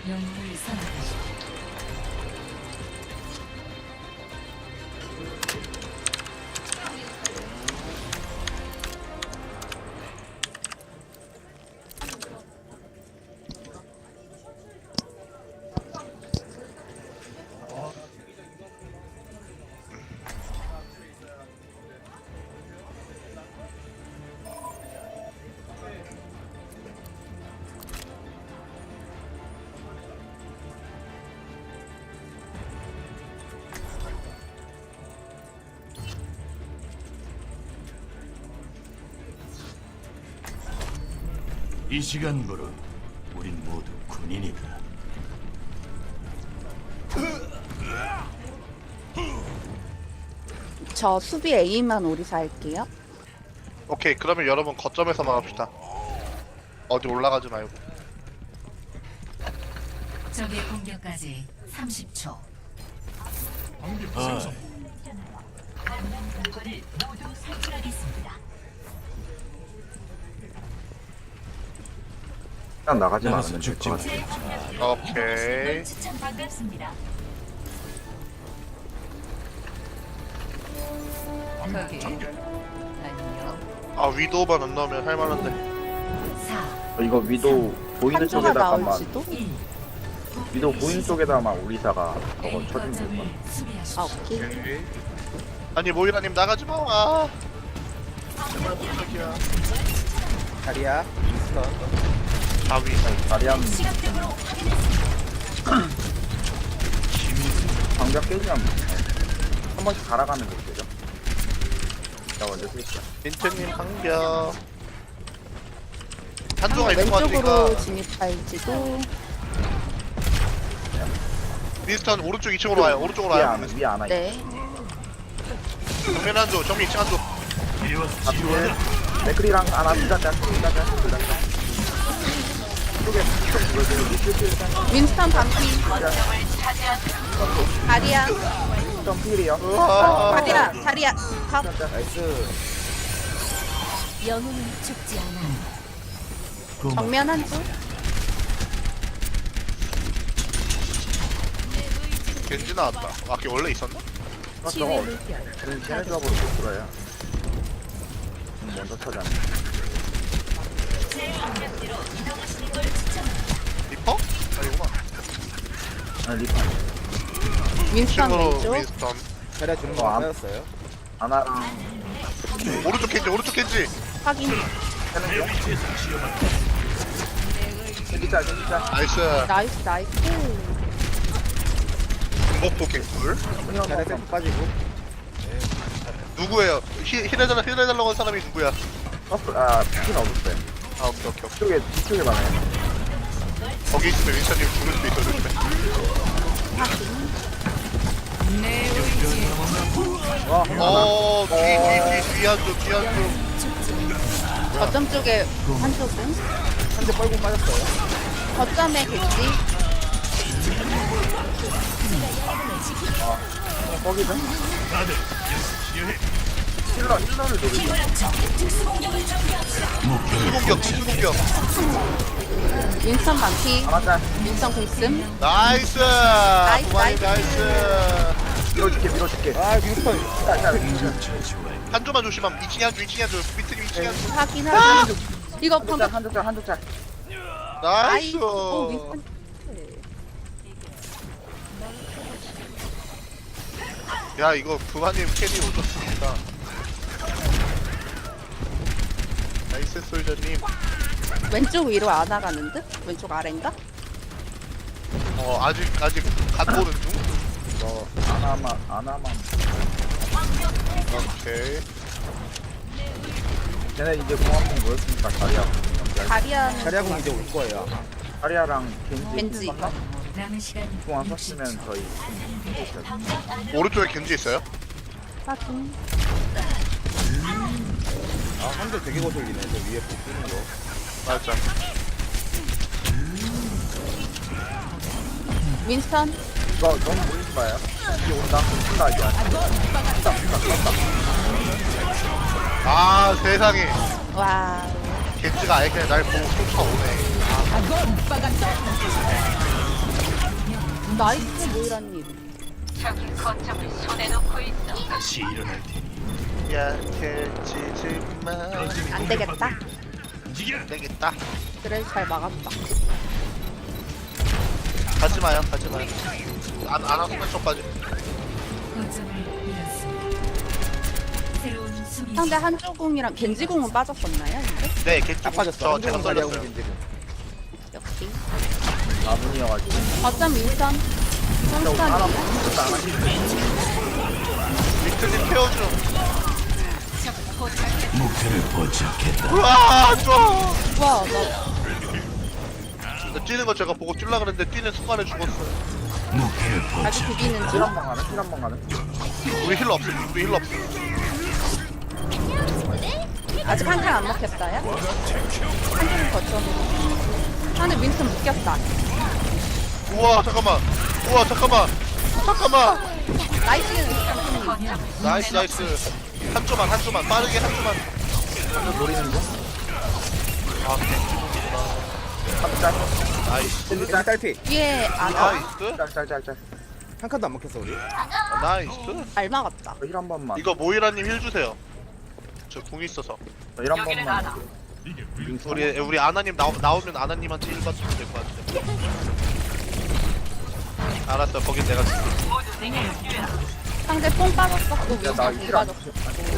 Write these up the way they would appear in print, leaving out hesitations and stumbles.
영웅을 선택하십시오. 이 시간부로 우린 모두 군인이다. 저 수비 A만 오리사 할게요. 오케이, 그러면 여러분 거점에서만 합시다. 어디 올라가지 말고. 적의 공격까지 30초. 아, 물건을 모두 살펴라겠습니다. 일단 나가지 나가서 말으면 죽지 될것 같아. 마. 오케이. 추천 반갑습니다. 저기 안녕. 아, 위도우만 안 나오면 할만한데. 4, 이거 위도 보이는 한조가 쪽에다가만 나올지도? 1. 위도 보이는 쪽에다만 우리사가 저거 A 쳐주면 될 것 거점을 같아. 수비하십시오. 아 오케이. 오케이. 아니, 모이라님 나가지 마. 아. 정말 무적이야. 다리야 자위. 다리안 방벽 깨지면 한 번씩 갈아가는 게 되죠. 자 먼저 쓸게요. 민트님 방벽. 한조가 있는 것 왼쪽으로 같으니까 진입할지도. 미스턴 오른쪽 2층으로 와요. 오른쪽으로 위에 와요. 안 위에 안 와. 네. 정면 한조, 정면 2층 한조. 이리 와서 앞에 치료하라. 맥크리랑 하나 둘다자 쪽에 쪽 보여주는 윈스턴 반피. 다리야. 점 필이요. 우와. 다리야. 밥. 나이스 영웅은 죽지 않아. 고마워. 정면 한 줄. 겐지 나왔다. 아, 걔 원래 있었나? 저거 쟤네 조합으로 못 들어요. 먼저 터져. 리퍼? 아니구만. 아 리파 윈스턴 층으로 왼쪽. 윈스턴. 자리야 주는 어, 거 안- 빠졌어요 하나랑 오른쪽 겐지, 오른쪽 겐지. 확인. 진짜 나이스. 나이스. 중복도 개꿀. 자리야 셀프 빠지고 누구예요? 힐해달라고 한 사람이 누구야? 아 피는 없었어요. 아, 오케이, 오케이. 뒤쪽에 많아요. 거기 있으면 윈스턴님 죽을 수도 있어, 조심해. 뒤 한쪽. 거점 쪽에 한쪽은. 한대 뻘고 빠졌어요 거점에 겠지. 거기서 다들 치료해. 힐러를 노리고 수공격. 윈스턴 반피. 맞다. 윈스턴 공씀. 나이스. 나이스, 구만이 나이스. 나이스. 밀어줄게. 아 윈스턴 처치와해. 한조만 조심함. 2층에 한조. 밑에 2층에 한조. 확인. 이거 방금. 한쪽짤. 나이스. 오 윈스턴. 야, 이거 구만님 캐리 오셨습니다. 나이스 솔저님. 왼쪽 위로 안 나가는 듯? 왼쪽 아래인가? 아직 갓 보는 중. 너 하나만. 오케이. 쟤네 이제 공 한 번 모였으니까 다리야는. 자리야 공 이제 올 거예요 다리아랑 겐지. 남은 시간 공안 썼으면 저희 오른쪽에 겐지 있어요? 확인. 아 한대 되게 거슬리네 저 위에 복 뜨는 거 맞아. 윈스턴. 이거 너무 모이지 마요. 이제 온다. 이제 아, 세상에. 와우. 겐지가 아예 그냥 날 보고 쫓아오네. 나이스 모이라님. 다시 일어날 테니 약해지지마. 안 되겠다. 움직여. 되겠다. 그래 잘 막았다. 가지마요, 가지마요. 안 하면 쪽까지. 거점을 잃었습니다. 새로운 수비 상대 한조궁이랑 겐지궁은 빠졌었나요? 근데? 네, 개쪽. 딱 빠졌어. 저 제가 한쪽은 자리하고 썰렸어요. 있는데 지금. 역시. 나분이어가지고. 거점 윈선. 하나 윈선이요? 빅트님 태워줘. 목표를 포착했다. 우와, 좋아. 와, 나 나 뛰는 거 제가 보고 뛰려 그랬는데 뛰는 순간에 죽었어요. 목표를 아직 포착. 비비는 중. 힐한번 가는? 힐한번 가는? 우리 힐러 없어. 우리 힐러 없어. 아직 한 칸 안 먹혔어요? 한쪽은 거점으로. 상대 윈선 묶였다. 우와, 잠깐만. 우와, 잠깐만. 잠깐만. 나이스. 나이스, 나이스. 한 조만, 한 조만. 빠르게 한 조만. 한번 노리는 중? 아, 한번 짤. 나이스. 겐지 딸피. 위에 안 나이스. 짤짤짤짤. 한 칸도 안 먹혔어 우리. 나이스. 잘 막았다. 힐한 번만. 이거 모이라님 힐 주세요. 저 궁 있어서. 힐한 번만. 우리 아나님 나오면 아나님한테 힐 받으면 될 것 같아. 알았어, 거긴 내가 줄게. 상대 뽕 빠졌어. 또 윈선 공 나힐 안. 빠졌어.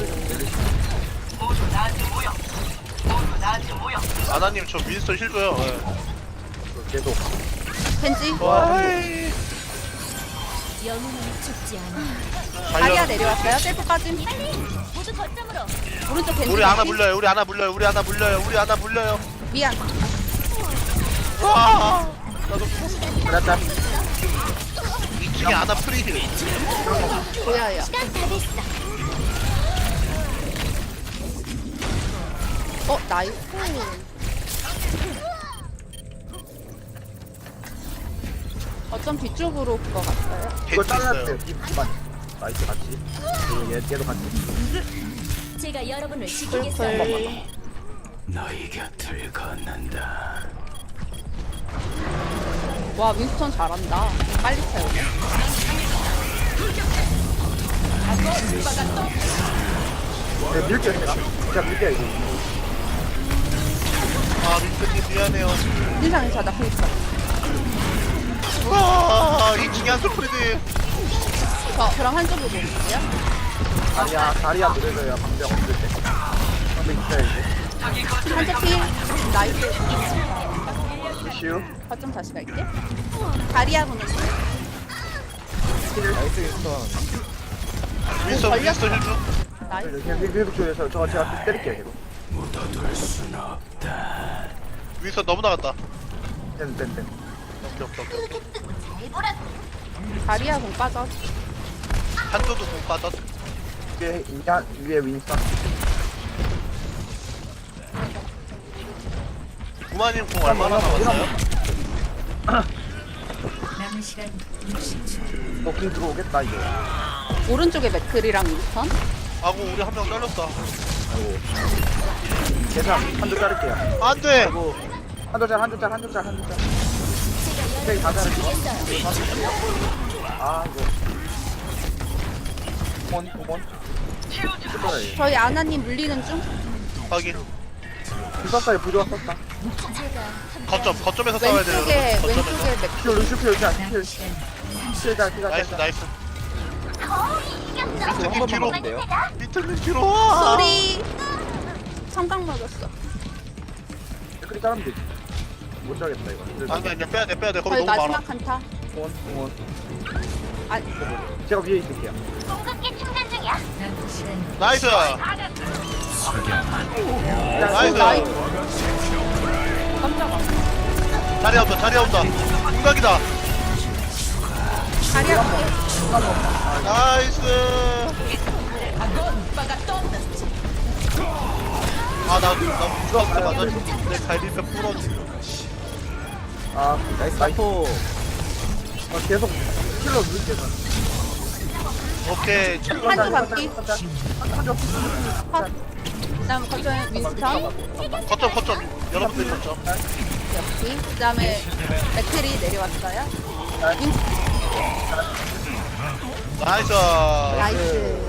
아나님 저 윈스턴 힐 줘요. 예. 계속. 겐지. 와이. 영웅은 죽지 않아. 다리아 내려왔어요. 셀프 빠짐. 오른쪽 겐지. 우리 아나 물려요. 우리 아나 물려요. 우리 아나 물려요. 우리 아나 물려요. 미안. 와. 짤짤. 2층에 아나 프리힐. 보여요. 나이스. 어쩜 뒤쪽으로 그거 갔어요? 이거 겐지 잘라야 있어요. 돼. 이만. 나이스 같이. 얘도 같이. 제가 여러분을 풀풀. 너희 곁을 건넌다. 와 윈스턴 잘한다. 빨리 채우네. 네, 밀게요. 진짜 밀게요 이거. 아, 민트님 미안해요. 인상이 자다 보니까. 와, 2층에 한솔 프리드. 저 그럼 한쪽으로 볼게요. 다리야 노래져야 방벽 없을 때. 방벽 있어야지. 한쪽 필. 나이스. 이슈. 거점 다시 갈게. 다리아 보는 거. 나이스 윈스턴. 윈스턴 힐 줘. 나이스. 그냥 회복 쪽에서 저거 제가 때릴게요 계속. 묻어둘 순 없다. 윈스턴 너무 나갔다. 땡. 오케이. 다리아 공 빠져. 한조도 공 빠졌. 위에 윈스턴. 구마님 공 얼마나 남았어요? 남은 시간 60초. 너궁 들어오겠다 이거. 오른쪽에 맥클이랑 윈스턴. 아고 우리 한 명 잘렸다. 아이고. 계산 한조 자를게요. 안 돼. 아이고. 한조 짤. 오케이 다 자를게요. 아 이거. 고몬. 저희 아나님 물리는 중. 확인. 썼어요. 부조화 썼다. 거점에서 싸워야 돼요. 왼쪽에 여러분. 거점에서. 왼쪽에 맥. 필 루슈필 짤. 남은 시간 나이스, 나이스. 한 민트님 번만 뒤로. 먹으면 돼요. 민트님 뒤로 와. 소리. 성강 맞았어. 댓글이 자르면 되지. 못 자겠다 이거. 아니야, 빼야 돼. 거기 저희 너무 많아. 마지막 한타. 공원. 아 제가 위에 있을게요. 남은 시간 나이스. 나이스. 나이스. 깜짝아. 자리 온다. 공각이다. 다리아 볼게. 나이스. 나 무서웠어. 맞아. 내 갈비뼈 부러지. 나이스 나포. 계속 킬러 누를게요. 오케이. 한쪽 바퀴. 한조. 컷. 그다음 거점에 윈스턴. 거점. 여러분들 거점. 역시. 그다음에 맥클이 내려왔어요. 윈스턴. 나이스. 나이스.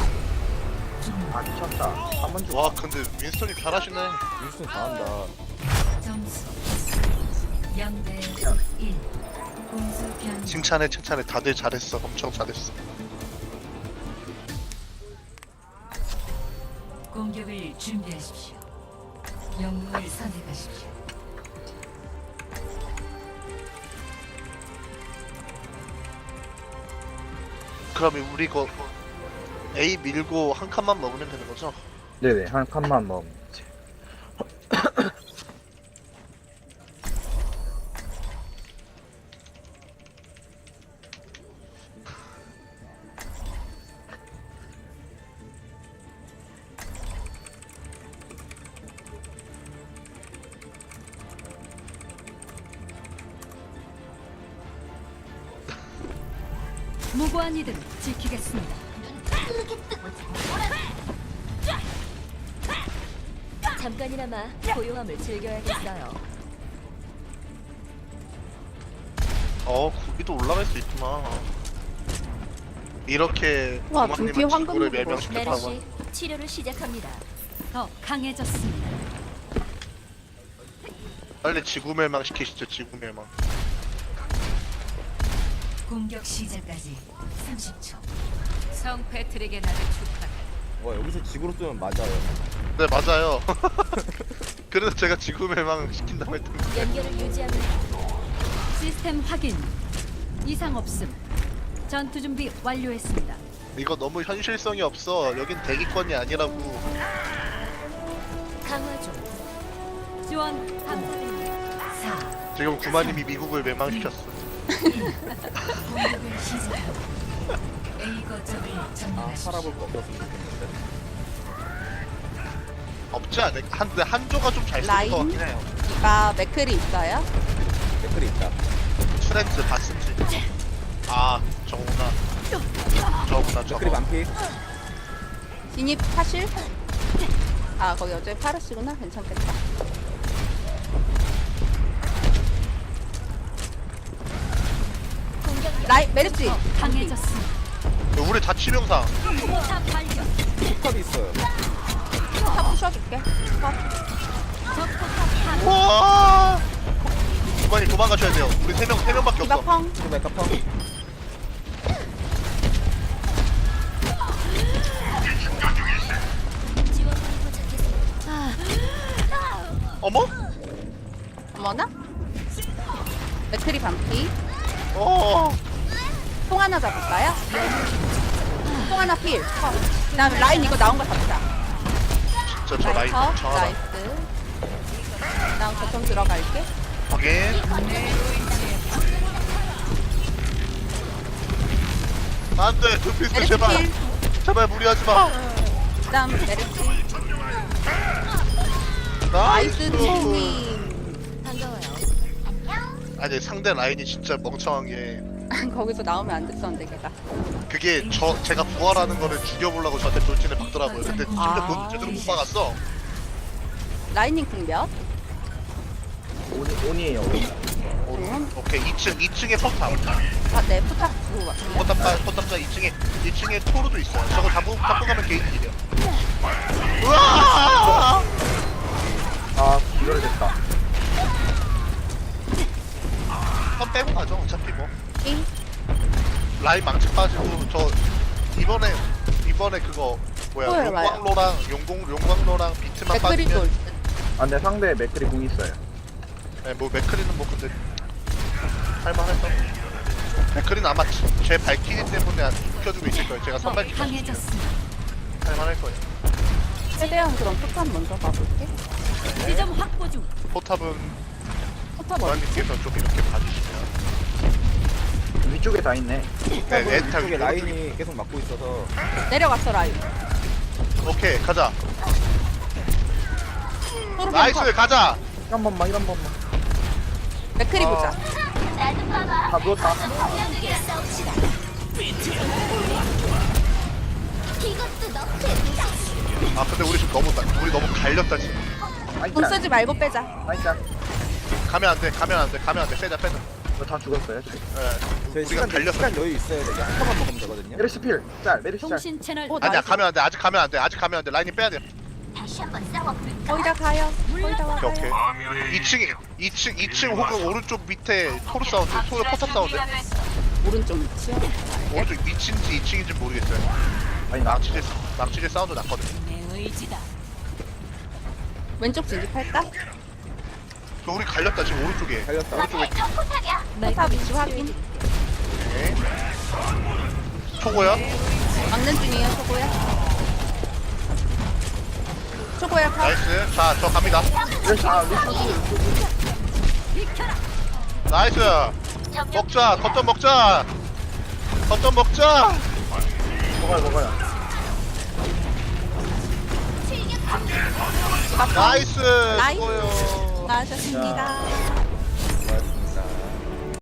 아 미쳤다. 한번 줘. 와 근데 윈스턴이 잘하시네. 윈스턴 잘한다. 점수 0대 1. 공수 변. 칭찬해 칭찬해. 다들 잘했어. 엄청 잘했어. 공격을 준비하십시오. 영웅을 선택하십시오. 그러면 우리 이거 A 밀고 한 칸만 먹으면 되는 거죠? 네네 한 칸만 먹으면 되지. 무고한 이들을 지키겠습니다. 잠깐이나마 고요함을 즐겨야겠어요. 구비도 올라갈 수 있구나. 이렇게 와, 부모님은 등뒤에 황금 지구를 무늬 멸망시켰다고. 메르시 치료를 시작합니다. 더 강해졌습니다. 빨리 지구 멸망시키시죠. 지구 멸망. 공격 시작까지 30초. 성 패트릭의 날을 축하해. 와 여기서 지구로 뜨면 맞아요. 네 맞아요. 그래서 제가 지구 멸망 시킨다고 했던 거. 연결을 유지하면 시스템 확인. 이상 없음. 전투 준비 완료했습니다. 이거 너무 현실성이 없어. 여긴 대기권이 아니라고. 강화 중. 지원 감사드립니다. 4. 지금 구마님이 미국을 멸망시켰어. 공격을 시작합니다. A 거점을 아 점령하십시오. 살아볼 거 없었으면 좋겠는데. 없지 않을. 근데 한조가 좀 잘 쓰는 라인? 것 같긴 해요. 이가 맥클이 있어요? 댓글이 있다. 트렌드 봤을지. 아 저구나. 저구나 저거. 댓글이 반피. 진입하실? 아 거기 어차피 파르시구나. 괜찮겠다. 라이 메르시 강해졌습니다. 우리 다 치명상. 포탑 발견. 탑이 있어요. 탑 부셔줄게. 탑. 적포탑 와. 구마님 도망가셔야 돼요. 우리 세 명밖에 디바 없어. 펑. 지금 메카펑. 지원군이 도착했습니다. 어머? 어머나? 맥클이 반피. 어. 통 하나 잡을까요? 통 하나 필. 그 다음에 라인 이거 나온 거 잡자. 저 라인 컷. 정하다. 나이스. 난 거점 들어갈게. 확인. 안돼 두피스 메르시 제발 필. 제발 무리하지 마. 그 다음 메르시. 나이스 나이스. 팀님. 반가워요. 아니 상대 라인이 진짜 멍청한 게 거기서 나오면 안 됐었는데 걔가. 그게 제가 부활하는 거를 죽여보려고 저한테 돌진을 박더라고요. 근데 진짜 아. 제대로 못 박았어. 라이닝 궁 몇? 온이에요. 온. 오케이 2층에 포탑. 아, 네, 포탑 주고 갈게요. 포탑자 2층에 토르도 있어요. 저거 잡고 가면 게이트 일이야. 우와! 아 이걸 됐다. 한 빼고 가죠. 어차피 뭐 잉? 라인 망치 빠지고 저 이번에 그거 뭐야 뭐예요, 라인? 용광로랑 비트만 맥클이 빠지면 돌. 아 근데 상대 맥클이 공 있어요. 네, 뭐 맥크리는 뭐 근데 할만했어. 맥크리는 아마 제 발키리 때문에 안 지켜주고 있을 거예요. 제가 더 선발키 강해졌습니다. 할만할 거예요. 최대한 그럼 포탑 먼저 가볼게. 지점 확보 중. 포탑은 포탑 어디? 부관님께서 좀 이렇게 봐주시면 위쪽에 다 있네. 네, 엔탈 이쪽에 라인이 계속 막고 있어서 내려갔어 라인. 오케이 가자. 토르 나이스 컷. 가자. 한 번만 이런 번만. 맥클이 어. 보자. 다 누웠다. 함께 싸웁시다. 이것도 너프의 아 근데 우리 지금 너무 갈렸다 지금. 돈 쓰지 말고 빼자. 나이스. 가면 안 돼. 빼자. 다 죽었어요. 저희. 예. 저희 우리가 달렸어. 시간 여유 있어요. 되게 한 컵만 먹으면 되거든요. 메르시 필. 짤. 메르시 짤. 통신 채널 아니야, 나이스. 가면 안 돼. 아직 가면 안 돼. 라인이 빼야 돼. 다시 한번 싸워볼까? 거의 다 가요. 거의 다 와요. 오케이. 2층 혹은 오른쪽 밑에 토르 사운드, 토르 포탑 사운드. 오른쪽 위치요. 오른쪽 밑인지 2층인지 모르겠어요. 아니 나 낭치질 사운드 났거든. 내 의지다. 왼쪽 진입할까? 저 우리 갈렸다 지금 오른쪽에. 갈렸다. 오른쪽에. 포탑 위치 확인. 오케이. 초고요. 막는 중이에요, 초고야. 초고야, 가. 나이스. 자, 저 갑니다. 메르시 루시오. 나이스. 먹자. 겉점 먹자. 먹어요. 나이스. 나이스. 수고요. 나으셨습니다.